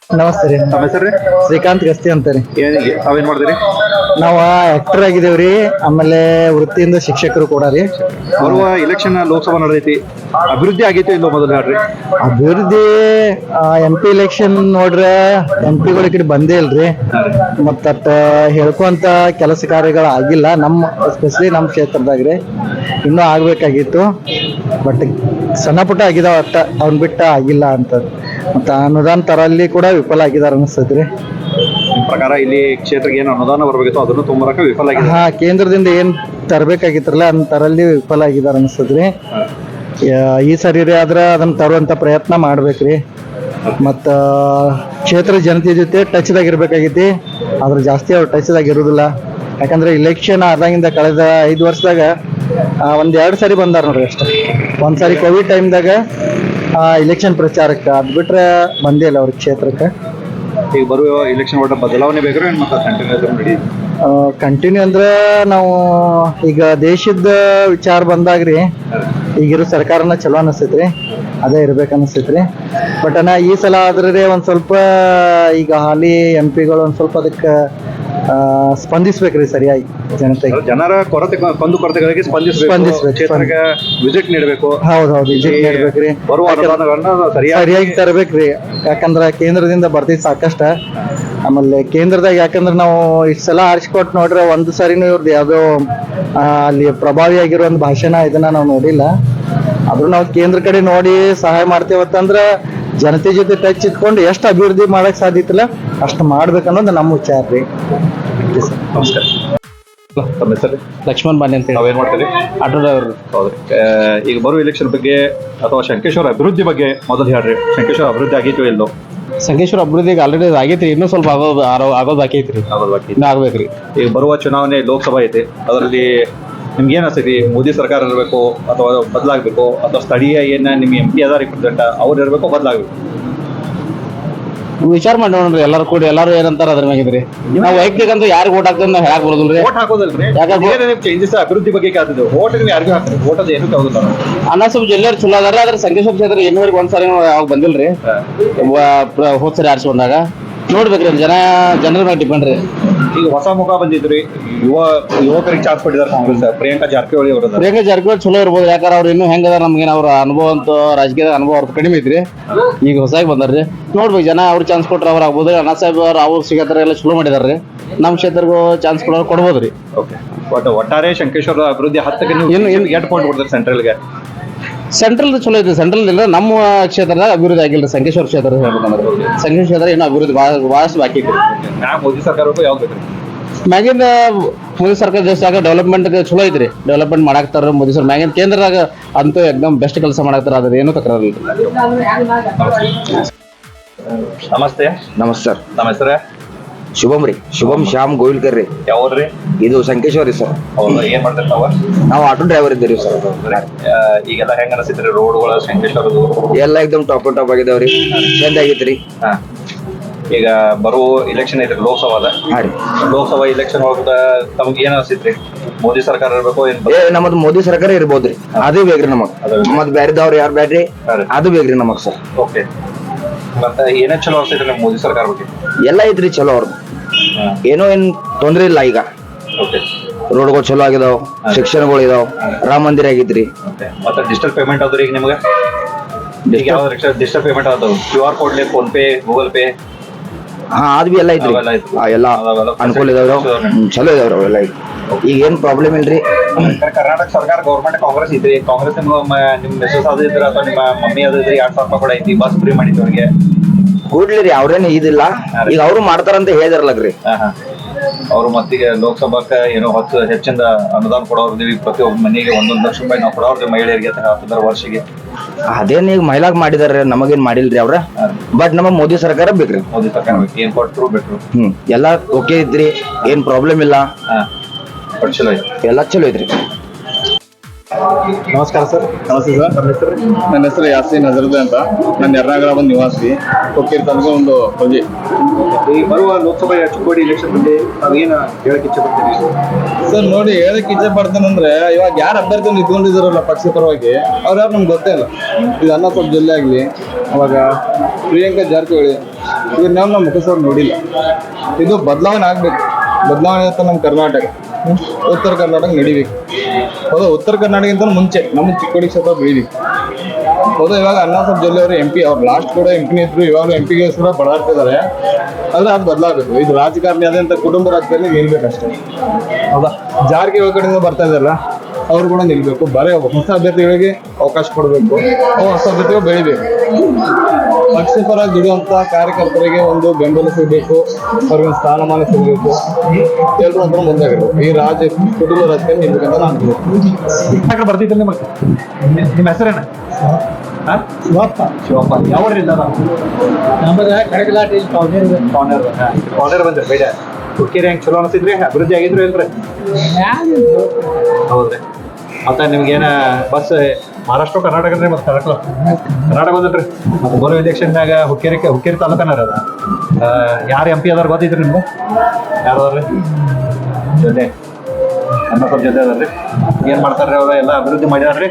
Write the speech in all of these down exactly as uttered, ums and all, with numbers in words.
ನಮಸ್ತೆ ರೀ. ನಮ್ಮ ಹೆಸರು ಶ್ರೀಕಾಂತ್ ಗಸ್ತಿ ಅಂತಾರೆ. ತಾವೇನ್ ಮಾಡಿದ್ರಿ? ನಾವು ಆಕ್ಟರ್ ಆಗಿದೇವ್ರಿ, ಆಮೇಲೆ ವೃತ್ತಿಯಿಂದ ಶಿಕ್ಷಕರು ಕೂಡ ರೀ. ಬರುವ ಇಲೆಕ್ಷನ್ ಲೋಕಸಭಾ ನಡೆದೈತಿ, ಅಭಿವೃದ್ಧಿ ಆಗೈತಿ ಇಲ್ಲೋ ಮೊದಲು ಹೇಳ್ರಿ. ಅಭಿವೃದ್ಧಿ ಎಂ ಪಿ ಎಲೆಕ್ಷನ್ ನೋಡ್ರೆ ಎಂ ಪಿಗಳ ಕಡೆ ಬಂದೇ ಇಲ್ರಿ. ಮತ್ತ ಹೇಳ್ಕೊಂತ ಕೆಲಸ ಕಾರ್ಯಗಳು ಆಗಿಲ್ಲ ನಮ್ಮ, ಎಸ್ಪೆಷಲಿ ನಮ್ಮ ಕ್ಷೇತ್ರದಾಗ್ರಿ. ಇನ್ನೂ ಆಗ್ಬೇಕಾಗಿತ್ತು, ಬಟ್ ಸಣ್ಣ ಪುಟ್ಟ ಆಗಿದಾವ ಅಷ್ಟ, ಅವ್ನ್ ಬಿಟ್ಟ ಆಗಿಲ್ಲ ಅಂತ. ಮತ್ತ ಅನುದಾನ ತರಲ್ಲಿ ಕೂಡ ವಿಫಲ ಆಗಿದಾರ ಅನಿಸ್ತೈತ್ರಿ. ನಿಮ್ ಪ್ರಕಾರ ಇಲ್ಲಿ ಕ್ಷೇತ್ರಕ್ಕೆ ಏನು ಅನುದಾನ ಬರ್ಬೇಕಿತ್ತು ಅದನ್ನು ತುಂಬರಕ ವಿಫಲ ಆಗಿದೆ. ಹಾ, ಕೇಂದ್ರದಿಂದ ಏನ್ ತರಬೇಕಾಗಿತ್ರಲ್ಲ ಅದನ್ನ ತರಲ್ಲಿ ವಿಫಲ ಆಗಿದಾರ ಅನಿಸ್ತದ್ರಿ. ಈ ಸರಿ ರೀ ಆದ್ರ ಅದನ್ನ ತರುವಂತ ಪ್ರಯತ್ನ ಮಾಡ್ಬೇಕ್ರಿ. ಮತ್ತ ಕ್ಷೇತ್ರ ಜನತೆ ಜೊತೆ ಟಚ್ದಾಗ ಇರ್ಬೇಕಾಗೈತಿ, ಆದ್ರೆ ಜಾಸ್ತಿ ಅವ್ರು ಟಚ್ದಾಗ ಇರುದಿಲ್ಲ. ಯಾಕಂದ್ರೆ ಇಲೆಕ್ಷನ್ ಆದಾಗಿಂದ ಕಳೆದ ಐದು ವರ್ಷದಾಗ ಒಂದ್ ಎರಡ್ ಸಾರಿ ಬಂದಾರ ನೋಡ್ರಿ ಅಷ್ಟೇ. ಒಂದ್ ಸಾರಿ ಕೋವಿಡ್ ಟೈಮ್ದಾಗ ಇಲೆಕ್ಷನ್ ಪ್ರಚಾರಕ್ಕೆ, ಅದ್ ಬಿಟ್ರೆ ಬಂದೇ ಇಲ್ಲ ಅವ್ರ ಕ್ಷೇತ್ರಕ್ಕೆ. ಈಗ ಬರುವ ಇಲೆಕ್ಷನ್ ಒಟ್ಟ ಬದಲಾವಣೆ ಬೇಕಾದ್ರೆ ಮತ್ತೆ ಕಂಟಿನ್ಯೂ ನಡಿ ಕಂಟಿನ್ಯೂ ಅಂದ್ರೆ ನಾವು ಈಗ ದೇಶದ ವಿಚಾರ ಬಂದಾಗ್ರಿ ಈಗಿರೋ ಸರ್ಕಾರನ ಚಲೋ ಅನಿಸ್ತೈತ್ರಿ, ಅದೇ ಇರ್ಬೇಕು ಅನಿಸ್ತೈತ್ರಿ. ಬಟ್ ಅಣ್ಣ ಈ ಸಲ ಆದ್ರೆ ಒಂದ್ ಸ್ವಲ್ಪ ಈಗ ಹಾಲಿ ಎಂ ಪಿಗಳು ಒಂದ್ ಸ್ವಲ್ಪ ಅದಕ್ಕೆ ಸ್ಪಂದಿಸ್ಬೇಕ್ರಿ ಸರಿಯಾಗಿ ಜನತೆಗೆ. ಜನರ ಕೊರತೆ ಕೊಂದು ಕೊರತೆಗಳಿಗೆ ಸ್ಪಂದಿಸಬೇಕು, ಕ್ಷೇತ್ರಕ್ಕೆ ವಿಸಿಟ್ ನೀಡಬೇಕು. ಹೌದೌದು, ವಿಸಿಟ್ ನೀಡ್ಬೇಕ್ರಿ, ಬರುವ ಅನುದಾನಗಳನ್ನ ಸರಿಯಾಗಿ ತರಬೇಕ್ರಿ. ಯಾಕಂದ್ರ ಕೇಂದ್ರದಿಂದ ಬರ್ತೈತಿ ಸಾಕಷ್ಟ. ಆಮೇಲೆ ಕೇಂದ್ರದಾಗ ಯಾಕಂದ್ರೆ ನಾವು ಇಷ್ಟು ಸಲ ಆರಿಸ್ಕೊಟ್ ನೋಡ್ರೆ ಒಂದು ಸರಿನೂ ಇವ್ರದ್ದು ಯಾವ್ದೋ ಅಲ್ಲಿ ಪ್ರಭಾವಿ ಆಗಿರೋ ಒಂದು ಭಾಷಣ ಇದನ್ನ ನಾವು ನೋಡಿಲ್ಲ. ಆದ್ರೂ ನಾವು ಕೇಂದ್ರ ಕಡೆ ನೋಡಿ ಸಹಾಯ ಮಾಡ್ತೇವತ್ತಂದ್ರ ಜನತೆ ಜೊತೆ ಟಚ್ ಇಟ್ಕೊಂಡು ಎಷ್ಟು ಅಭಿವೃದ್ಧಿ ಮಾಡಕ್ ಸಾಧ್ಯತಿಲ್ಲ ಅಷ್ಟು ಮಾಡ್ಬೇಕನ್ನೋದು ನಮ್ಮ ವಿಚಾರ ರೀ. ನಮಸ್ಕಾರ. ತಮ್ಮ ಹೆಸರು? ಲಕ್ಷ್ಮಣ್ ಬಾನಿ ಅಂತ. ನಾವೇನ್ ಮಾಡ್ತೀವಿ? Auto driver. ಹೌದ್ರಿ. ಈಗ ಬರುವ ಇಲೆಕ್ಷನ್ ಬಗ್ಗೆ ಅಥವಾ ಶಂಕೇಶ್ವರ ಅಭಿವೃದ್ಧಿ ಬಗ್ಗೆ ಮೊದಲು ಹೇಳ್ರಿ. ಶಂಕೇಶ್ವರ ಅಭಿವೃದ್ಧಿ ಆಗಿತ್ತು ಇಲ್ಲೋ? ಸಂಕೇಶ್ವರ ಅಭಿವೃದ್ಧಿಗೆ ಆಲ್ರೆಡಿ ಆಗೈತ್ರಿ, ಇನ್ನೂ ಸ್ವಲ್ಪ ಆಗೋದು ಆಗೋದು ಬಾಕಿ ಐತ್ರಿ. ಆಗೋದು ಬಾಕಿ ಇನ್ನೂ ಆಗ್ಬೇಕ್ರಿ. ಈಗ ಬರುವ ಚುನಾವಣೆ ಲೋಕಸಭಾ ಐತಿ, ಅದರಲ್ಲಿ ನಿಮ್ಗೆ ಏನ್ ಅನ್ಸೈತಿ? ಮೋದಿ ಸರ್ಕಾರ ಇರಬೇಕು ಅಥವಾ ಬದಲಾಗಬೇಕು, ಅಥವಾ ಸ್ಥಳೀಯ ಏನ ನಿಮ್ಗೆ ಎಂ ಪಿ ಅದ ರಿಪ್ರೆಸೆಂಟ್ ಅವ್ರು ಇರಬೇಕು, ಬದಲಾಗಬೇಕು? ವಿಚಾರ ಮಾಡಿ ನೋಡ್ರಿ, ಎಲ್ಲಾರು ಕೂಡ ಎಲ್ಲಾರು ಏನಂತಾರ ಅದ್ರ ಮ್ಯಾಗಿದ್ರಿ. ನಾವು ವೈಯಕ್ತಿಕ ಅಂತ ಯಾರಿಗೆ ಓಟ್ ಹಾಕ್ತೇವೆ ನಾವು ಹೇಳಕ್ ಬರೋದಿಲ್ರಿ. ಓಟ್ ಹಾಕೋದಲ್ರಿ, ಚೇಂಜಸ್ ಅಭಿವೃದ್ಧಿ ಬಗ್ಗೆ ಕಾತಿದ್ದೇವೆ. ಓಟ್ ನೀವು ಯಾರಿಗೂ ಹಾಕ್ತೀವಿ, ಓಟ್ ಅದು ಏನು ತಗೋದಿಲ್ಲ. ಅನಾಸಬ್ ಜಿಲ್ಲೆಯವ್ರು ಚಲೋ ಅದಾರ, ಆದ್ರೆ ಸಂಕೇಶ್ವರ ಕ್ಷೇತ್ರ ಇನ್ನೂವರೆಗೆ ಒಂದ್ಸರಿ ಯಾವಾಗ ಬಂದಿಲ್ರಿ. ಹೋದ್ ಸರಿ ಆರಿಸ್ಕೊಂಡಾಗ ನೋಡ್ಬೇಕ್ರಿ, ಜನ ಜನರ ಮೇಲೆ ಡಿಪೆಂಡ್ ರೀ. ಈಗ ಹೊಸ ಮುಖ ಬಂದಿದ್ರಿ, ಯುವ ಯುವಕರಿಗೆ ಚಾನ್ಸ್ ಕೊಟ್ಟಿದ್ದಾರೆ ಕಾಂಗ್ರೆಸ್. ಪ್ರಿಯಾಂಕಾ ಜಾರಕಿಹೊಳಿ ಅವರು ಪ್ರಿಯಾಂಕಾ ಜಾರಕಿಹೊಳಿ ಚಲೋ ಇರ್ಬೋದು, ಯಾಕಂದ್ರೆ ಅವ್ರು ಇನ್ನೂ ಹೆಂಗದ ನಮ್ಗೇನು ಅವ್ರ ಅನುಭವ ಅಂತ ರಾಜಕೀಯದ ಅನುಭವ ಅವ್ರದ್ದು ಕಡಿಮೆ ಐತ್ರಿ. ಈಗ ಹೊಸಾಗಿ ಬಂದಾರ್ರಿ, ನೋಡ್ಬೇಕು ಜನ ಅವ್ರು ಚಾನ್ಸ್ ಕೊಟ್ರೆ ಅವ್ರು ಆಗ್ಬೋದು. ಅಣ್ಣಾ ಸಾಹೇಬ್ ಅವ್ರು ಅವ್ರು ಸಿಗತ್ತಾರ ಎಲ್ಲ ಚಲೋ ಮಾಡಿದಾರ್ರಿ. ನಮ್ಮ ಕ್ಷೇತ್ರಗೂ ಚಾನ್ಸ್ ಕೊಡೋರು ಕೊಡ್ಬೋದ್ರಿ. ಓಕೆ. ಬಟ್ ಒಟ್ಟಾರೆ ಶಂಕೇಶ್ವರ ಅಭಿವೃದ್ಧಿ ಹತ್ತಕ್ಕೆ ನೀವು ಏನು ಏನು ಎಂಟು ಪಾಯಿಂಟ್ ಕೊಡ್ತಾರೆ ಸೆಂಟ್ರಲ್ಗೆ? ಸೆಂಟ್ರಲ್ ಚಲೋ ಐತಿ, ಸೆಂಟ್ರಲ್ ಇಲ್ಲ. ನಮ್ಮ ಕ್ಷೇತ್ರದಾಗ ಅಭಿವೃದ್ಧಿ ಆಗಿಲ್ಲ. ಸಂಕೇಶ್ವರ ಕ್ಷೇತ್ರ ಹೇಳ್ಬೇಕಂದ್ರೆ ಸಂಕೇಶ್ವರ ಕ್ಷೇತ್ರ ಇನ್ನೂ ಅಭಿವೃದ್ಧಿ ಭಾಳ ಭಾಳಷ್ಟು ಬಾಕಿ ಐತಿ. ಮ್ಯಾಮ್ ಮೋದಿ ಸರ್ಕಾರಕ್ಕೂ ಯಾವ್ದು ಬೇಕ್ರಿ? ಮ್ಯಾಗಿನ ಮೋದಿ ಸರ್ಕಾರ ದೇಶದಾಗ ಡೆವಲಪ್ಮೆಂಟ್ ಚಲೋ ಐತ್ರಿ, ಡೆವಲಪ್ಮೆಂಟ್ ಮಾಡಾಕ್ತಾರ ಮೋದಿ ಸರ್. ಮ್ಯಾಗಿನ ಕೇಂದ್ರದಾಗ ಅಂತೂ ಎಕ್ದಮ್ ಬೆಸ್ಟ್ ಕೆಲಸ ಮಾಡಾಕ್ತಾರ, ಅದ್ರ ಏನು ತಕರಾರಿಲ್ಲ. ನಮಸ್ತೆ. ನಮಸ್ಕಾರ. ನಮ್ಮ ಹೆಸರೇ? ಶುಭಮ್ ರೀ, ಶುಭಮ್ ಶ್ಯಾಮ್ ಗೋವಿಲ್ಕರ್ ರೀ. ಯಾವ್ರಿ? ಇದು ಸಂಕೇಶ್ವರಿ ಸರ್. ಹೌದಾ, ಏನ್ ಮಾಡ್ತಾರೆ ತಾವ? ನಾವು ಆಟೋ ಡ್ರೈವರ್ ಇದ್ದೀರಿ ಸರ್. ಈಗೆಲ್ಲ ಹೆಂಗ ಅನಿಸಿದ್ರಿ ರೋಡ್ಗಳ ಶಂಕೇಶ್ವರದು? ಎಲ್ಲ ಎಕ್ದಮ್ ಟಾಪ್ ಟಾಪ್ ಆಗಿದಾವ್ರಿ, ಚಂದ ಆಗೈತ್ರಿ. ಹಾ, ಈಗ ಬರುವ ಇಲೆಕ್ಷನ್ ಐತ್ರಿ ಲೋಕಸಭಾದ. ಹಾ ರೀ, ಲೋಕಸಭಾ ಇಲೆಕ್ಷನ್ ಒಳಗ ತಮ್ಗೆ ಏನ್ ಅನಿಸಿತ್ರಿ? ಮೋದಿ ಸರ್ಕಾರ ಇರ್ಬೇಕು ಏನ್? ಏ ನಮ್ಮದು ಮೋದಿ ಸರ್ಕಾರ ಇರ್ಬೋದ್ರಿ, ಅದೇ ಬೇಕ್ರಿ ನಮಗ್. ಮತ್ ಬ್ಯಾರಿದವ್ರು ಯಾರು ಬ್ಯಾಡ್ರಿ, ಅದು ಬೇಕ್ರಿ ನಮಗ್ ಸರ್. ಓಕೆ. ಮತ್ತೆ ಏನೇ ಚಲೋ ಅನ್ಸೈತ್ರಿ ನಿಮ್ ಮೋದಿ ಸರ್ಕಾರ ಬಗ್ಗೆ? ಎಲ್ಲ ಐತ್ರಿ ಚಲೋ ಅವ್ರದ್ದು, ಏನೋ ಏನ್ ತೊಂದ್ರೆ ಇಲ್ಲ. ಈಗ ಓಕೆ, ರೋಡ್ಗಳು ಚಲೋ ಆಗಿದಾವ್, ಶಿಕ್ಷಣಗಳು ಇದಾವ್, ರಾಮ ಮಂದಿರ ಆಗಿದ್ರಿ. ಮತ್ತೆ ಡಿಜಿಟಲ್ ಪೇಮೆಂಟ್ ಆದ್ರಿ ಈಗ ನಿಮ್ಗೆ? ಈಗ ಯಾವ್ದು ಡಿಜಿಟಲ್ ಪೇಮೆಂಟ್ ಆದವು? Q R code, PhonePe, Google Pay? ಹಾ, ಅದ್ ಬಿ ಎಲ್ಲ ಐತ್ರಿ. ಎಲ್ಲ ಅನುಕೂಲ ಇದಾವ್ರಿ, ಚಲೋ ಇದಾವ್ರಿ ಅವೆಲ್ಲ. ಈಗ ಏನ್ ಪ್ರಾಬ್ಲಮ್ ಇಲ್ರಿ. ಕರ್ನಾಟಕ ಸರ್ಕಾರ ಗೌರ್ಮೆಂಟ್ ಕಾಂಗ್ರೆಸ್ ಐತ್ರಿ. ಕಾಂಗ್ರೆಸ್ ನಿಮ್ ನಿಮ್ ಮೆಸೇಜ್ ಅದ ಇದ್ರ ಅಥವಾ ನಿಮ್ಮ ಮಮ್ಮಿ ಅದ ಇದ್ರಿ ಎರಡ್ ಸಾವಿರ ರೂಪಾಯಿ ಕೂಡ ಐತಿ, ಬಸ್ ಫ್ರೀ ಮಾಡಿದ್ವಿ ಅವ್ರಿಗೆ. ಕೂಡ್ಲಿ ರೀ, ಅವ್ರೇನು ಇದಿಲ್ಲ. ಈಗ ಅವ್ರು ಮಾಡ್ತಾರಂತ ಹೇಳಿದಾರಲ್ರಿ. ಅವ್ರು ಮತ್ತೀಗ ಲೋಕಸಭಾಕ್ಕ ಏನೋ ಹತ್ತು ಹೆಚ್ಚಿಂದ ಅನುದಾನ ಕೊಡೋರ್ದಿವಿ, ಪ್ರತಿಯೊಬ್ಬ ಮನೆಗೆ ಒಂದೊಂದು ಲಕ್ಷ ರೂಪಾಯಿ ನಾವು ಕೊಡೋರ್ದಿವಿ ಮಹಿಳೆಯರಿಗೆ ಹತ್ತಿರ ವರ್ಷಿಗೆ. ಅದೇನ್ ಈಗ ಮಹಿಳಾಗ್ ಮಾಡಿದಾರೆ, ನಮಗೇನ್ ಮಾಡಿಲ್ರಿ ಅವ್ರ. ಬಟ್ ನಮ್ಮ ಮೋದಿ ಸರ್ಕಾರ ಬೇಕ್ರಿ. ಮೋದಿ ಸರ್ಕಾರ ಬೇಕು, ಏನ್ ಕೊಟ್ಟರು ಬೇಕ್ರು. ಹ್ಮ್, ಎಲ್ಲಾ ಓಕೆ ಐತ್ರಿ, ಏನ್ ಪ್ರಾಬ್ಲಮ್ ಇಲ್ಲ. ಹಾ, ಚಲೋ ಐತಿ, ಎಲ್ಲಾ ಚಲೋ ಐತ್ರಿ. ನಮಸ್ಕಾರ ಸರ್. ನಮಸ್ತೆ ಸರ್. ನಮ್ಮ ಹೆಸರು? ನನ್ನ ಹೆಸರು ಯಾಸೀನ್ ಹಜರದೆ ಅಂತ. ನಾನು ಎರ್ನಾಗಳ ಬಂದು ನಿವಾಸಿ. ಕೊಕ್ಕೀರ್ ತನಕ ಒಂದು ಪ್ರಜೆ. ಈ ಬರುವ ಲೋಕಸಭೆ ಚಿಕ್ಕೋಡಿ ಎಲೆಕ್ಷನ್ ಬಗ್ಗೆ ನಾವು ಏನು ಹೇಳಕ್ಕೆ ಇಚ್ಛೆ ಪಡ್ತೀವಿ? ಸರ್ ನೋಡಿ, ಹೇಳಕ್ ಇಚ್ಛೆ ಪಡ್ತೇನೆ ಅಂದ್ರೆ, ಇವಾಗ ಯಾರು ಅಭ್ಯರ್ಥಿ ನಿಂತ್ಕೊಂಡಿದಾರಲ್ಲ ಪಕ್ಷ ಪರವಾಗಿ, ಅವ್ರು ಯಾರು ನಮ್ಗೆ ಗೊತ್ತೇ ಇಲ್ಲ. ಇದು ಅನ್ನಸೊಪ್ಪು ಜಿಲ್ಲೆ ಆಗಲಿ, ಅವಾಗ ಪ್ರಿಯಾಂಕಾ ಜಾರಕಿಹೊಳಿ, ಇವ್ರು ನಾವು ನಮ್ಮ ಮುಖಸವ್ರು ನೋಡಿಲ್ಲ. ಇದು ಬದಲಾವಣೆ ಆಗ್ಬೇಕು. ಬದಲಾವಣೆ ಆಗುತ್ತೆ ನಮ್ಮ ಕರ್ನಾಟಕ, ಹ್ಮ್? ಉತ್ತರ ಕರ್ನಾಟಕ ನಡಿಬೇಕು. ಹೌದಾ, ಉತ್ತರ ಕರ್ನಾಟಕಕ್ಕಿಂತ ಮುಂಚೆ ನಮ್ಮ ಚಿಕ್ಕೋಡಿ ಕ್ಷೇತ್ರ ಬೆಳಿಬೇಕು. ಹೌದಾ, ಇವಾಗ ಅನ್ನಸೊಪ್ಪು ಜಿಲ್ಲೆ ಅವರು ಎಂ ಪಿ, ಅವ್ರು ಲಾಸ್ಟ್ ಕೂಡ ಎಂ ಪಿನೇ ಇದ್ರು, ಇವಾಗ ಎಂ ಪಿಗೆ ಕೂಡ ಬಡಾಡ್ತಿದ್ದಾರೆ. ಆದ್ರೆ ಅದು ಬದಲಾಗಬೇಕು. ಇದು ರಾಜಕಾರಣಿ ಆದಂಥ ಕುಟುಂಬ ರಾಜಕಾರಣಿ ನಿಲ್ಬೇಕಷ್ಟೇ. ಹೌದಾ, ಜಾರಕಿಹೊಳಿ ಕಡೆಯಿಂದ ಬರ್ತಾ ಇದ್ದಾರಲ್ಲ, ಅವ್ರು ಕೂಡ ನಿಲ್ಬೇಕು. ಬರೀ ಹೊಸ ಅಭ್ಯರ್ಥಿಗಳಿಗೆ ಅವಕಾಶ ಕೊಡಬೇಕು, ಅವು ಹೊಸ ಅಭ್ಯರ್ಥಿಗಳು ಬೆಳಿಬೇಕು. ಪಕ್ಷ ಪರ ದುಡಿಯುವಂಥ ಕಾರ್ಯಕರ್ತರಿಗೆ ಒಂದು ಬೆಂಬಲ ಸಿಗಬೇಕು, ಅವ್ರಿಗೆ ಒಂದು ಸ್ಥಾನಮಾನ ಸಿಗಬೇಕು. ಎಲ್ಲರೂ ಒಂಥರ ಮುಂದಾಗಿರ್ಬೇಕು. ಈ ರಾಜ ಕುಟುಂಬ ರಾಜಕಾರಣಿ ನಿಲ್ಬೇಕಂತ ನಾನು ಯಾಕೆ ಬರ್ತಿದ್ದಿಲ್ಲ ನಿಮಗೆ? ನಿಮ್ಮ ಹೆಸರೇನು? ಹಾಂ, ಶಿವಪ್ಪ. ಶಿವಪ್ಪ. ಯಾವ ಊರಿಂದ ನಮ್ಮದ ಕಡಗಲಾಟಿ ಕಾರ್ನರ್ ಕಾರ್ನರ್ ಬಂದ್ರಿ ಬೇಡ ಹುಕ್ಕೇರಿ ಹೆಂಗೆ ಚಲೋ ಅನಿಸಿದ್ರಿ? ಅಭಿವೃದ್ಧಿ ಆಗಿದ್ರು ಇಲ್ರಿ? ಹೌದ್ರಿ. ಮತ್ತೆ ನಿಮ್ಗೇನ ಬಸ್ ಮಹಾರಾಷ್ಟ್ರ ಕರ್ನಾಟಕ ರೀ? ಮತ್ತೆ ಕರ್ನಾಟಕ ಕರ್ನಾಟಕ ಬಂದಲ್ರಿ. ಮತ್ತೆ ಬರೋ ಎಲೆಕ್ಷನ್ದಾಗ ಹುಕ್ಕೇರಿ ಹುಕ್ಕೇರಿ ತಾಲೂಕನಾರ ಅದ ಯಾರು ಎಂ ಪಿ ಅದಾರ ಗೊತ್ತಿದ್ರಿ ನಿಮ್ಗೆ? ಯಾರು ಅದಾರ್ರಿ ಜೊತೆ? ಅನ್ನಪ್ಪ ಜೊತೆ ಅದಾರ್ರಿ. ಏನು ಮಾಡ್ತಾರ್ರಿ ಅವ್ರು? ಎಲ್ಲ ಅಭಿವೃದ್ಧಿ ಮಾಡ್ಯಾರ್ರಿ?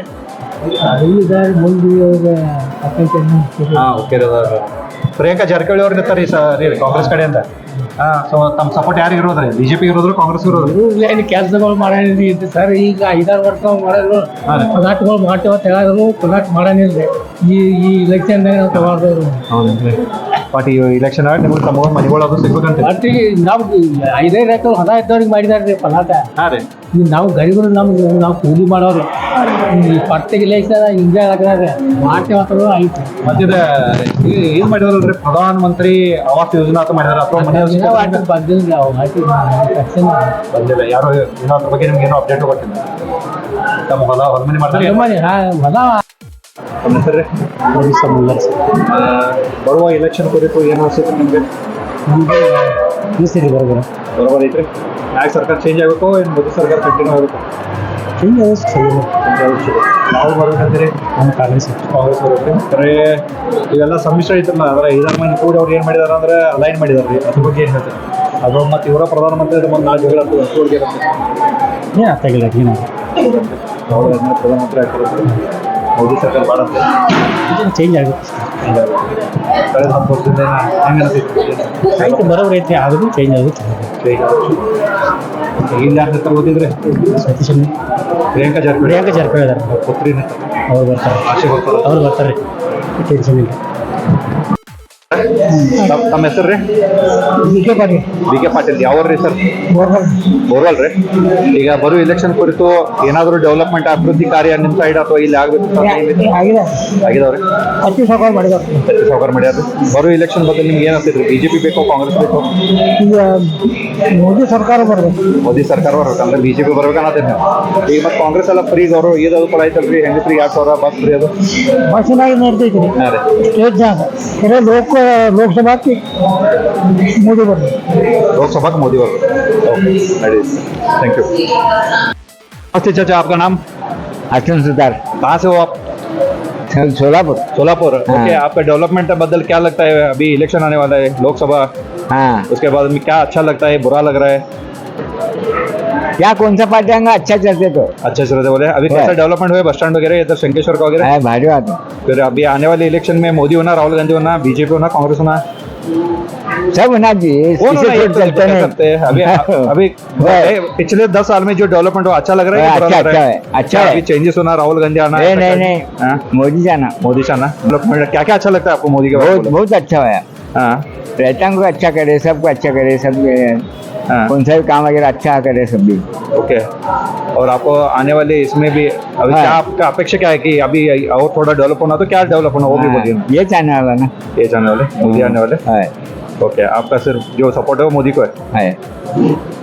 ಹಾಂ, ಹುಕ್ಕೇರಿ ಅದಾರ. ಪ್ರಿಯಾಂಕಾ ಜಾರಕಿಹೊಳಿ ಅವ್ರು ನಿಂತಾರ ಈ ಸರಿ ಕಾಂಗ್ರೆಸ್ ಕಡೆ ಅಂತ. ಹಾಂ, ಸೊ ತಮ್ಮ ಸಪೋರ್ಟ್ ಯಾರಿಗೆ ಇರೋದ್ರಿ? ಬಿಜೆಪಿ ಇರೋದ್ರು ಕಾಂಗ್ರೆಸ್ ಇರೋದ್ರು? ಏನು ಕೆಲಸಗಳು ಮಾಡಿದ್ರಿ ಸರ್. ಈಗ ಐದಾರು ವರ್ಷ ಮಾಡಿದ್ರು, ಪದಾರ್ಥಗಳು ಮಾಡ್ತೇವ ತೆಗೆದ್ರು, ಪದಾರ್ಥ ಮಾಡಂಗಿಲ್ರಿ. ಈ ಈ ಇಲೆಕ್ಷನ್ದಾಗ ನಾವು ತಗೊಂಡವ್ರು. ಹೌದೇನ್ರಿ? ಬಟ್ ಈ ಇಲೆಕ್ಷನ್ ಆಗಿ ನಿಮ್ಗೆ ತಮ್ಮ ಮನೆಗಳು ಅದು ಸಿಗ್ಬೇಕಂತ. ಬಟ್ ಈಗ ನಾವು ಐದೈದು ಎಕರೆ ಹೊಲ ಇದ್ದವ್ರಿಗೆ ಮಾಡಿದಾರ್ರಿ ಪದಾರ್ಥ. ಹಾಂ ರೀ. ಈಗ ನಾವು ಗರಿಬರು ನಮ್ಗೆ ನಾವು ಕೂಲಿ ಮಾಡೋರು. ಈ ಪಟ್ಟಿಗೆ ಇಲೆಕ್ಷನ್ ಹಿಂಗೆ ಹಾಕಿದ್ರೆ ಮಾಡ್ತೇವ ಅಂತ ಐತಿ. ಮತ್ತೆ ಏನು ಮಾಡಿದಾರಲ್ರಿ? ಪ್ರಧಾನ ಮಂತ್ರಿ ಆವಾಸ್ ಯೋಜನಾ ಅಂತ ಮಾಡಿದಾರೆ ಅಥವಾ ಮನೆ ಬಂದಿಲ್ಲ ನಾವು ಹಾಕಿ ಬಂದಿಲ್ಲ ಯಾರು? ಏನೋ ಅದ್ರ ಬಗ್ಗೆ ನಿಮ್ಗೆ ಏನೋ ಅಪ್ಡೇಟ್ ಗೊತ್ತಿಲ್ಲ. ತಮ್ಮ ಹೊಲ ಹೊಲ ಮನೆ ಮಾಡ್ತಾರೆ? ಹೊಲ ತಮ್ಮ ಹೆಸರು? ಬರುವ ಎಲೆಕ್ಷನ್ ಕುರಿತು ಏನು ಅನಿಸುತ್ತೆ ನಿಮಗೆ? ನಮ್ಗೆ ಈ ಸರಿ ಬರೋದು ಬರೋಬರ್ ಐತ್ರಿ. ಯಾಕೆ ಸರ್ಕಾರ ಚೇಂಜ್ ಆಗಬೇಕು, ಏನು ಮೋದಿ ಸರ್ಕಾರ ಕಂಟಿನ್ಯೂ ಆಗಬೇಕು? ಚೇಂಜ್ ಆಗೋದು ನಾವು ಬರ್ಬೇಕಂತೀರಿ? ನಮ್ಮ ಕಾಂಗ್ರೆಸ್ ಕಾಂಗ್ರೆಸ್ ಬರುತ್ತೆ. ಬರೀ ಇವೆಲ್ಲ ಸಮ್ಮಿಶ್ರ ಐತ್ರಲ್ಲ, ಅದರ ಐದಾರು ಮಂದಿ ಕೂಡಿ ಅವ್ರು ಏನು ಮಾಡಿದಾರೆ ಅಂದ್ರೆ ಅಲೈನ್ ಮಾಡಿದಾರೆ ರೀ. ಅದ್ರ ಬಗ್ಗೆ ಏನು ಹೇಳ್ತಾರೆ? ಅದು ಮತ್ತು ಇವರ ಪ್ರಧಾನಮಂತ್ರಿ ಅದು ಒಂದು ನಾಲ್ಕು ಜಗಳ ಆಗ್ತದೆ, ಅಷ್ಟು ಒಳಗೆ ಇರುತ್ತೆ. ಏನು ಆಗ್ತಾಗಿಲ್ಲ ಏನು ಅವ್ರು ಅದನ್ನ ಪ್ರಧಾನಮಂತ್ರಿ ಆಗ್ತಾರೆ. ಮೋದಿ ಸರ್ಕಾರ ಮಾಡಂತೆ ಚೇಂಜ್ ಆಗುತ್ತೆ. ಕಳೆದ ಹತ್ತು ವರ್ಷದಿಂದ ಹೆಂಗೆ ಅನಿಸುತ್ತೆ? ಆಯ್ತು, ಬರೋಬ್ರಿ ಐತಿ, ಆದರೂ ಚೇಂಜ್ ಆಗುತ್ತೆ. ಇಲ್ಲಿ ಯಾರು ಹತ್ರ ಓದಿದ್ರೆ? ಸತೀಶ್ ಪ್ರಿಯಾಂಕಾ ಜಾರಕಿಹೊಳಿ. ಪ್ರಿಯಾಂಕಾ ಜಾರಕಿಹೊಳಿ ಅದಾರ, ಪುತ್ರಿನ ಅವ್ರು ಬರ್ತಾರೆ. ಆಶೆ ಬರ್ತಾರೆ. ಅವ್ರು ಬರ್ತಾರೆ, ಟೆನ್ಷನ್ ಇಲ್ಲ. ತಮ್ಮ ತಮ್ಮ ಹೆಸರು ರೀ? B K Patil. B K Patil. ಯಾವ್ರಿ ಸರ್? ಬೋರ್ವಲ್ ರೀ. ಈಗ ಬರೋ ಎಲೆಕ್ಷನ್ ಕುರಿತು ಏನಾದರೂ ಡೆವಲಪ್ಮೆಂಟ್ ಅಭಿವೃದ್ಧಿ ಕಾರ್ಯ ನಿಮ್ಮ ಸೈಡ್ ಅಥವಾ ಇಲ್ಲಿ ಆಗ್ಬೇಕು ಆಗಿದೆ, ಆಗಿದಾವ್ರಿ? ಅತಿ ಸಾಕಾರ ಮಾಡಿದಾರೆ, ಅತಿ ಸಾಕಾರ ಮಾಡ್ಯಾರ. ಬರೋ ಎಲೆಕ್ಷನ್ ಬಗ್ಗೆ ನಿಮ್ಗೆ ಏನು ಅನ್ಸುತ್ತೆ? ಬಿಜೆಪಿ ಬೇಕೋ ಕಾಂಗ್ರೆಸ್ ಬೇಕೋ? ಈಗ ಮೋದಿ ಸರ್ಕಾರ ಬರಬೇಕು. ಮೋದಿ ಸರ್ಕಾರ ಬರ್ಬೇಕು ಅಂದ್ರೆ ಬಿಜೆಪಿ ಬರ್ಬೇಕು ಅನ್ನೋದೇನು? ಈಗ ಮತ್ತೆ ಕಾಂಗ್ರೆಸ್ ಎಲ್ಲ ಫ್ರೀ ಅವರು ಇದಾದ್ರು ಕೂಡ ಐತಲ್ರಿ, ಹೆಂಗೆ ಫ್ರೀ ಎರಡು ಸಾವಿರ ಬಸ್ ಫ್ರೀ ಅದು ಬಸ್ಸಿನಾಗಿ ನೋಡ್ತೈತಿ ರೀ. ಹಾಂ ರೀ. ಸ್ಟೇಟ್ ಜಾಗ ಖರೆ ಲೋಕ ಲೋಕಸಭಾಕ್ಕೆ ಮೋದಿ ಬರ್ಬೇಕು. लोकसभा मोदी वर्ग थैंक यू। नमस्ते चाचा, आपका नाम? अर्जुन सुतार, कहाँ से हो आप? सोलापुर। सोलापुर। हाँ। ओके, आपका डेवलपमेंट बदल क्या लगता है? अभी इलेक्शन आने वाला है लोकसभा, हाँ, उसके बाद में क्या अच्छा लगता है, बुरा लग रहा है? क्या कौन सा पार्टी आएगा अच्छा चलते तो अच्छे से रहते बोले। अभी कैसा डेवलपमेंट हुआ बस स्टैंड वगैरह इधर शंकेश्वर का वगैरह? है भारी बात है। फिर अभी आने वाले इलेक्शन में मोदी होना, राहुल गांधी होना, बीजेपी होना, कांग्रेस होना, सब होना चाहिए, कौन किसी होना ये को तो चलते तय नहीं। करते हैं। अभी अभी ए, पिछले दस साल में जो डेवलपमेंट हुआ अच्छा लग रहा है कि बुरा अच्छा लग रहा अच्छा है, अच्छा अभी है। चेंजेस होना, राहुल गांधी आना? नहीं नहीं नहीं, हाँ? मोदी जाना मोदी से आना डेवलपमेंट क्या क्या अच्छा लगता है आपको मोदी के बारे बहुत में? बहुत अच्छा है। हाँ पर्यटन को अच्छा करे, सबको अच्छा करे, सब हाँ कौन सा भी काम वगैरह अच्छा करे सब भी। ओके। और आपको आने वाले इसमें भी अभी हाँ। क्या आपका अपेक्षा क्या है कि अभी और थोड़ा डेवलप होना, तो क्या डेवलप होना वो भी हाँ, बोलिए। ये चाहने वाला ना ये जाने वाले मोदी आने वाले। है ओके, आपका सिर्फ जो सपोर्ट है वो मोदी को है? है।